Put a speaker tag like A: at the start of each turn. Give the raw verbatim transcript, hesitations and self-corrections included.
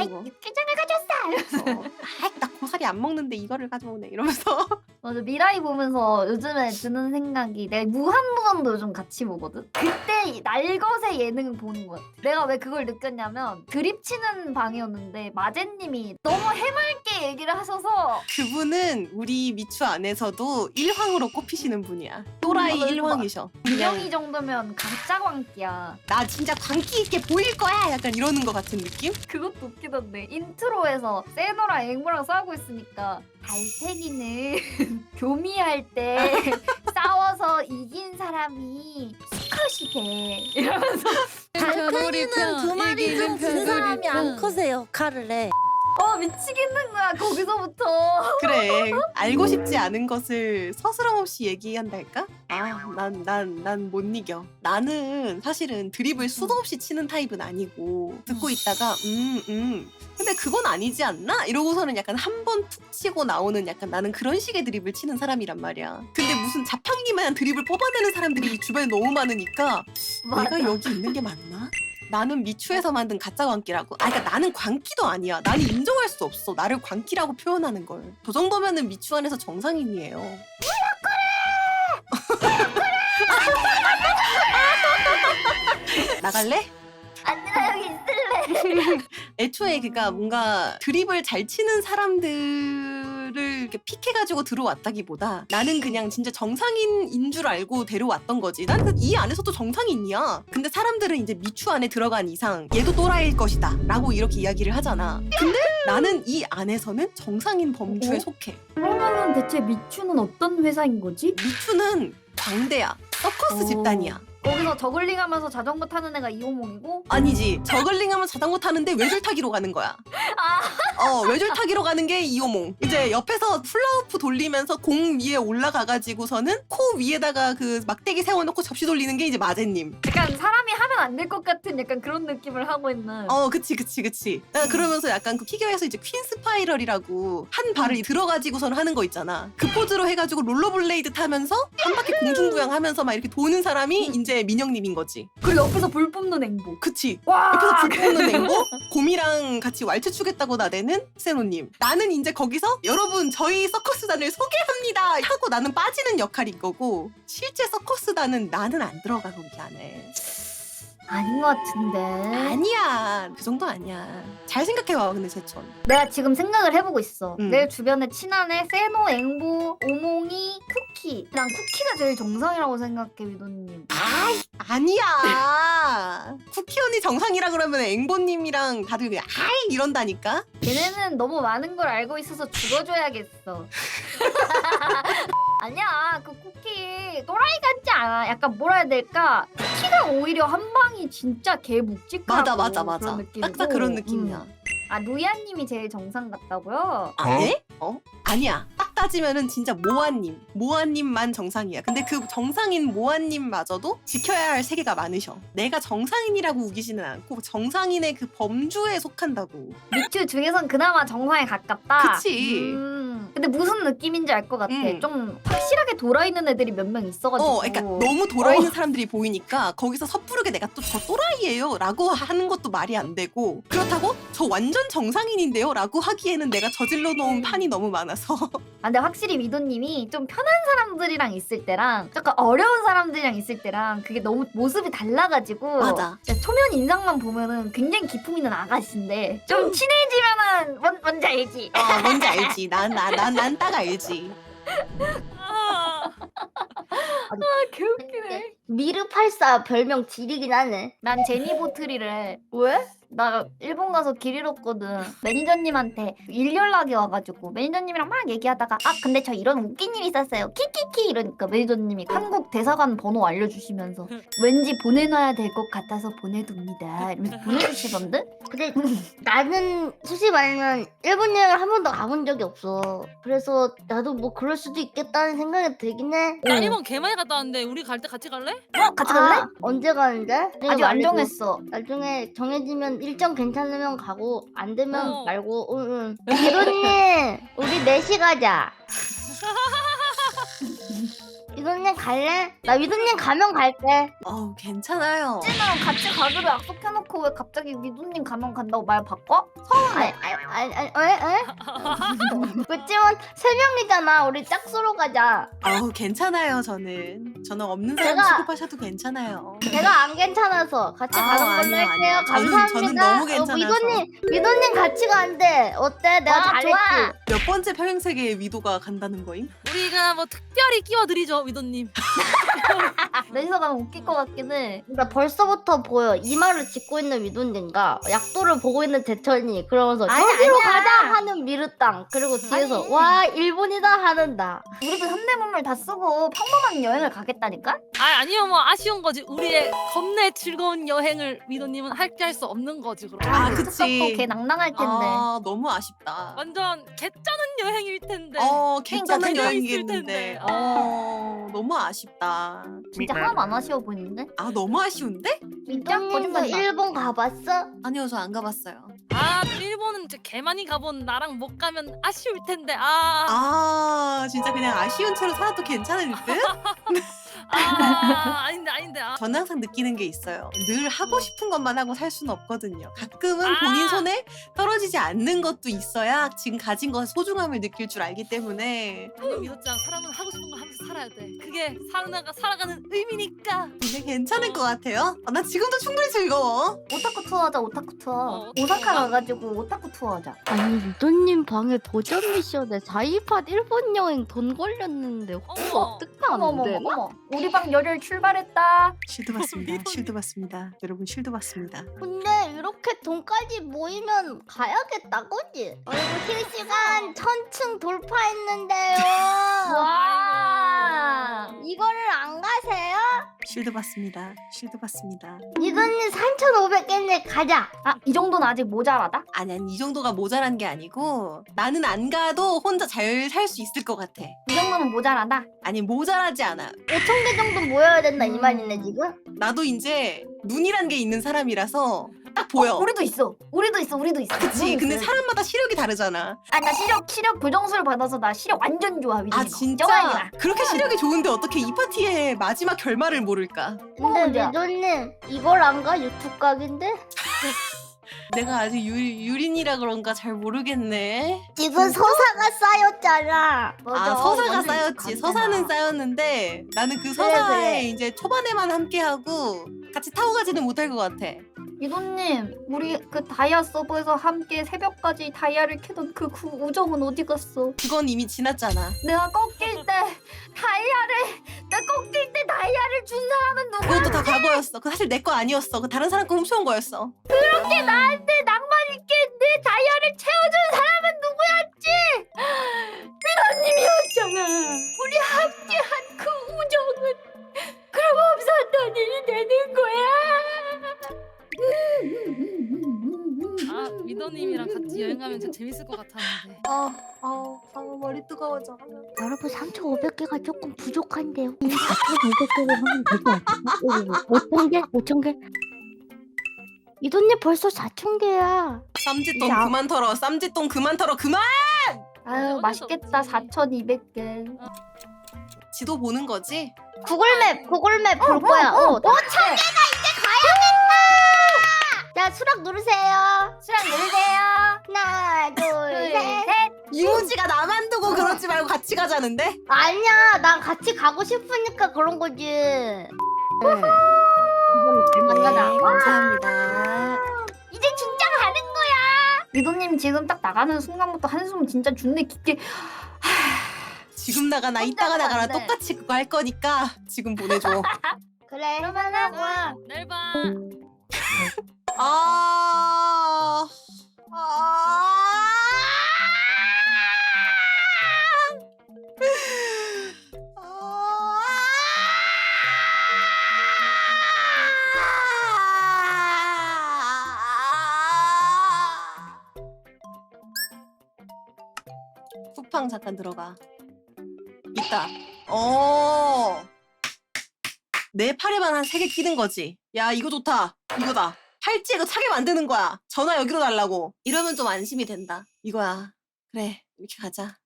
A: 아이
B: 거.
A: 육개장을 가져왔어 이러면서
B: 어. 아이 나 고사리 안 먹는데 이거를 가져오네 이러면서.
A: 맞아. 미라이 보면서 요즘에 드는 생각이 내가 무한무한도 요즘 같이 보거든? 그때 이 날것의 예능을 보는 것 같아. 내가 왜 그걸 느꼈냐면 드립 치는 방이었는데 마제님이 너무 해맑게 얘기를 하셔서
B: 그분은 우리 미추 안에서도 일황으로 꼽히시는 분이야. 또라이
A: 맞아,
B: 일황이셔.
A: 분명이 정도면 가짜 광기야.
B: 나 진짜 광기 있게 보일 거야 약간 이러는 것 같은 느낌?
A: 그것도 웃기던데 인트로에서 세노랑 앵무랑 싸우고 있으니까 달팽이는 교미할 때 싸워서 이긴 사람이 스컷이 돼 이러면서
C: 달팽이는 두 마리 중 두 사람이 안 커세요. 칼을 내.
A: 어 미치겠는 거야 거기서부터.
B: 그래 알고 싶지 않은 것을 서스럼없이 얘기한달까? 아 난 난 난 못 이겨. 나는 사실은 드립을 수도 없이 치는 타입은 아니고 듣고 있다가 음 음. 근데 그건 아니지 않나? 이러고서는 약간 한 번 툭 치고 나오는 약간 나는 그런 식의 드립을 치는 사람이란 말이야. 근데 무슨 자판기만 드립을 뽑아내는 사람들이 주변에 너무 많으니까
A: 맞아.
B: 내가 여기 있는 게 맞나? 나는 미추에서 만든 가짜 광기라고? 아, 그러니까 나는 광기도 아니야. 나는 인정할 수 없어. 나를 광기라고 표현하는 걸. 저 정도면은 미추 안에서 정상인이에요. 나갈래?
A: 아니 나 여기 있을래.
B: 애초에 그니까 뭔가 드립을 잘 치는 사람들을 이렇게 픽해가지고 들어왔다기보다 나는 그냥 진짜 정상인인 줄 알고 데려왔던 거지. 난 이 안에서도 정상인이야. 근데 사람들은 이제 미추 안에 들어간 이상 얘도 또라이일 것이다 라고 이렇게 이야기를 하잖아. 근데 나는 이 안에서는 정상인 범주에
A: 어?
B: 속해.
A: 그러면은 대체 미추는 어떤 회사인 거지?
B: 미추는 광대야. 서커스
A: 오.
B: 집단이야.
A: 거기서 저글링하면서 자전거 타는 애가 이호몽이고
B: 아니지. 저글링하면 자전거 타는데 외줄 타기로 가는 거야. 어, 외줄 타기로 가는 게 이호몽. 이제 옆에서 훌라후프 돌리면서 공 위에 올라가가지고서는 코 위에다가 그 막대기 세워놓고 접시 돌리는 게 이제 마제님.
A: 약간 사람이 하면 안 될 것 같은 약간 그런 느낌을 하고 있는.
B: 어, 그치, 그치, 그치. 아, 그러면서 약간 그 피겨에서 이제 퀸 스파이럴이라고 한 발을 들어가지고선 하는 거 있잖아. 그 포즈로 해가지고 롤러블레이드 타면서 한 바퀴 공중부양하면서 막 이렇게 도는 사람이 이제 민영님인 거지.
A: 그리고 옆에서 불 뿜는 앵보.
B: 그치.
A: 와.
B: 옆에서 불 뿜는 앵보, 곰이랑 같이 왈츠 추겠다고 나대는 세노님. 나는 이제 거기서 여러분 저희 서커스단을 소개합니다 하고 나는 빠지는 역할인 거고 실제 서커스단은 나는 안 들어가 거기 안에.
A: 아닌 것 같은데.
B: 아니야. 그 정도 아니야. 잘 생각해봐 근데 제천.
A: 내가 지금 생각을 해보고 있어.
B: 음.
A: 내 주변에 친한애 세노, 앵보, 오몽이, 쿠키. 난 쿠키가 제일 정상이라고 생각해 위도님.
B: 아이 아니야. 쿠키 언니 정상이라 그러면 앵보님이랑 다들 그냥 아이 이런다니까.
A: 걔네는 너무 많은 걸 알고 있어서 죽어줘야겠어. 아니야 그 쿠키 또라이 같지 않아. 약간 뭐라 해야 될까? 쿠키가 오히려 한 방이 진짜 개 묵직하고
B: 맞아 맞아 맞아.
A: 그런 느낌이고.
B: 딱딱 그런 느낌이야.
A: 음. 아 루야님이 제일 정상 같다고요?
B: 아, 예? 어? 아니야. 딱 따지면은 진짜 모아님. 모아님만 정상이야. 근데 그 정상인 모아님마저도 지켜야 할 세계가 많으셔. 내가 정상인이라고 우기지는 않고 정상인의 그 범주에 속한다고.
A: 미추 중에선 그나마 정상에 가깝다.
B: 그치.
A: 음. 근데 무슨 느낌인지 알 것 같아.
B: 음.
A: 좀 확실하게 돌아있는 애들이 몇 명 있어가지고.
B: 어, 그러니까 너무 돌아있는
A: 어.
B: 사람들이 보이니까 거기서 섣부르게 내가 또 저 또라이예요 라고 하는 것도 말이 안 되고 그렇다고 저 완전 정상인인데요 라고 하기에는 내가 저질러 놓은
A: 음.
B: 판이 너무 많아서.
A: 아, 근데 확실히 위도님이 좀 편한 사람들이랑 있을 때랑 약간 어려운 사람들이랑 있을 때랑 그게 너무 모습이 달라가지고
B: 맞아.
A: 진짜 초면 인상만 보면은 굉장히 기품 있는 아가씨인데 좀 친해지면은 뭔, 뭔지 알지?
B: 어, 뭔지 알지. 난 난 난 난 딱 알지.
A: 아 개웃기네.
C: 미르팔사 별명 지리긴 하네.
A: 난 제니보트리를 해.
C: 왜?
A: 나 일본 가서 길 잃었거든. 매니저님한테 일 연락이 와가지고 매니저님이랑 막 얘기하다가 아 근데 저 이런 웃긴 일 있었어요 키키키 이러니까 매니저님이 한국 대사관 번호 알려주시면서 왠지 보내놔야 될 것 같아서 보내둡니다 이러면서 보내주시던데?
C: 근데 나는 솔직히 말하면 일본 여행을 한 번도 가본 적이 없어. 그래서 나도 뭐 그럴 수도 있겠다는 생각이 들긴 해.
D: 나 일본 개 많이 갔다 왔는데 우리 갈 때 같이 갈래?
A: 어? 같이 갈래?
C: 아, 언제 가는데? 내가
A: 아직 안
C: 말해줘.
A: 정했어.
C: 나중에 정해지면 일정 괜찮으면 가고 안 되면
D: 어.
C: 말고. 응, 응. 이도님 우리 넷이 가자. 위도님 갈래? 나 위도님 가면 갈게.
B: 어우 괜찮아요.
A: 찐이랑 같이 가기로 약속해놓고 왜 갑자기 미도님 가면 간다고 말 바꿔?
C: 아니 아니 아니 아니 에? 에? 그치만 세 명이잖아. 우리 짝수로 가자.
B: 어우 괜찮아요. 저는 저는 없는 사람
C: 제가-
B: 취급하셔도 괜찮아요.
C: 제가 안 괜찮아서 같이
B: 아,
C: 가는 걸로
B: 아니요,
C: 할게요.
B: 아니요. 저는-
C: 감사합니다.
B: 저는 너무
C: 어,
B: 괜찮아서.
C: 위도님 위도님 같이 간대. 어때? 내가
A: 와,
C: 잘했지.
A: 좋아.
B: 몇 번째 평행세계의 위도가 간다는 거임?
D: 우리가 뭐 특별히 끼워드리죠 위도님.
A: 넷이서 가면 웃길 것 같긴 해.
C: 나 벌써부터 보여. 이마를 짚고 있는 위도님과 약도를 보고 있는 대천이 그러면서
A: 아니,
C: 저기로
A: 아니야.
C: 가자 하는 미르땅 그리고 뒤에서
A: 아니.
C: 와 일본이다 하는 나.
A: 우리도 현대문물 다 쓰고 평범한 여행을 가겠다니까?
D: 아 아니요 뭐 아쉬운 거지. 우리의 겁내 즐거운 여행을 위도님은 할게 할 수 없는 거지 그럼.
B: 아,
A: 그
B: 그치.
A: 특성도 걔 낭낭할 텐데.
B: 아 너무 아쉽다.
D: 완전 개쩌는 여행일 텐데.
B: 어
A: 그러니까
B: 괜찮은
D: 되게
B: 여행이겠는데.
D: 있을 텐데.
B: 어 너무 아쉽다.
A: 진짜 하나도 안 아쉬워 보이는데?
B: 아 너무 아쉬운데?
A: 진짜?
C: 위도님도
A: 거짓말이다.
C: 일본 가봤어?
B: 아니요 저 안 가봤어요.
D: 아 일본은 이제 개 많이 가본 나랑 못 가면 아쉬울 텐데. 아.
B: 아 진짜 그냥 아쉬운 채로 살아도 괜찮을 듯?
D: 아, 아닌데 아닌데. 아.
B: 저는 항상 느끼는 게 있어요. 늘 하고 싶은 것만 하고 살 수는 없거든요. 가끔은
D: 아.
B: 본인 손에 떨어지지 않는 것도 있어야 지금 가진 것의 소중함을 느낄 줄 알기 때문에
D: 아니 미도짱 사람은 하고 싶은 거 하면서 살아야 돼. 그게 살아가 살아가는 의미니까.
B: 이게 괜찮을 것 같아요. 아, 나 지금도 충분히 즐거워.
A: 오타쿠 투어 하자, 오타쿠 투어.
D: 어,
A: 오사카
D: 어.
A: 가가지고 오타쿠 투어 하자.
C: 아니 위도님 방에 도전 미션에 사이팟 일본 여행 돈 걸렸는데 혹시
D: 어머.
C: 어떻게
A: 어머,
C: 안
A: 어머,
C: 되나?
A: 어머. 우리 방 열혈 출발했다.
B: 쉴드 받습니다. 쉴드 받습니다. 여러분 쉴드 받습니다.
C: 근데 이렇게 돈까지 모이면 가야겠다 그지? 그리고 실시간 천층 돌파했는데요.
A: 와.
C: 이거를 안 가세요?
B: 쉴드 받습니다. 쉴드 받습니다.
C: 이돈님 삼천오백 개인데 가자.
A: 아, 이 정도는 아직 모자라다?
B: 아니 아니 이 정도가 모자란 게 아니고 나는 안 가도 혼자 잘 살 수 있을 것 같아.
A: 이 정도는 모자라다?
B: 아니 모자라지 않아.
C: 오천 개 정도 모여야 된다 이
A: 음.
C: 말이네 지금?
B: 나도 이제 눈이란 게 있는 사람이라서 딱 보여.
A: 어, 우리도 있어. 우리도 있어. 우리도 있어.
B: 그치.
A: 우리도
B: 근데
A: 있어요.
B: 사람마다 시력이 다르잖아.
A: 아, 나 시력 시력 교정술 받아서 나 시력 완전 좋아.
B: 아
A: 위도님.
B: 진짜?
A: 걱정하지 마.
B: 그렇게 시력이 좋은데 어떻게 이 파티의 마지막 결말을 모를까?
A: 뭐
C: 근데
A: 문제야?
C: 위돈님 이걸 안 가? 유튜브 각인데?
B: 내가 아직 유, 유린이라 그런가 잘 모르겠네.
C: 지금 서사가 쌓였잖아.
A: 맞아.
B: 아 서사가
A: 완전
B: 쌓였지.
A: 감사하다.
B: 서사는 쌓였는데 나는 그 서사에
C: 그래.
B: 이제 초반에만 함께하고 같이 타고 가지는 못할 것 같아.
A: 위도님, 우리 그 다이아 서버에서 함께 새벽까지 다이아를 캐던 그, 그 우정은 어디 갔어?
B: 그건 이미 지났잖아.
A: 내가 꺾일 때 다이아를 내가 꺾일 때 다이아를 준 사람은 누구야?
B: 그것도 다 과거였어. 그 사실 내 거 아니었어. 그 다른 사람 거 훔쳐온 거였어.
A: 그렇게 나한테 낭만 있게 내 다이아를 채워준 사람은 누구였지? 위도님이었잖아. 우리 함께한 그 우정은 그럼 없었던 일이 되는 거야.
D: 아 위도님이랑 같이 여행 가면 진짜 재밌을 것 같았는데.
B: 아, 아, 아 머리 뜨거워져.
C: 여러분 삼천오백 개가 조금 부족한데요. 사천오백 개로 하면 되지 않나? 오천 개? 오천 개? 이돈님 벌써 사천 개야.
B: 쌈짓돈
C: 야.
B: 그만 털어. 쌈짓돈 그만 털어. 그만!
A: 아유, 맛있겠다.
D: 없지.
A: 사천이백 개.
B: 지도 보는 거지?
C: 구글맵, 구글맵 볼 거야. 어, 오천 개나 이제 가야겠다. 자, 수락 누르세요.
A: 수락 누르세요.
C: 하나, 둘,
A: 둘,
C: 셋.
A: 셋.
B: 이모지가 나만 두고 그러지 말고 같이 가자는데?
C: 아니야, 난 같이 가고 싶으니까 그런 거지. 네. 만나자.
B: 네, 감사합니다.
A: 이제 진짜 가는 거야. 위도님 지금 딱 나가는 순간부터 한숨 진짜 준내 깊게.
B: 지금 나가나
A: 혼자
B: 이따가
A: 가면
B: 나가나
A: 안 돼.
B: 똑같이 그거 할 거니까 지금 보내줘.
C: 그래,
A: 그러면은
C: 해보자고.
D: 내일 봐.
B: 아... 아... 쿠팡 잠깐 들어가. 있다. 어. 내 팔에만 한 세 개 끼는 거지. 야 이거 좋다. 이거다. 팔찌 이거 차게 만드는 거야. 전화 여기로 달라고. 이러면 좀 안심이 된다. 이거야. 그래 이렇게 가자.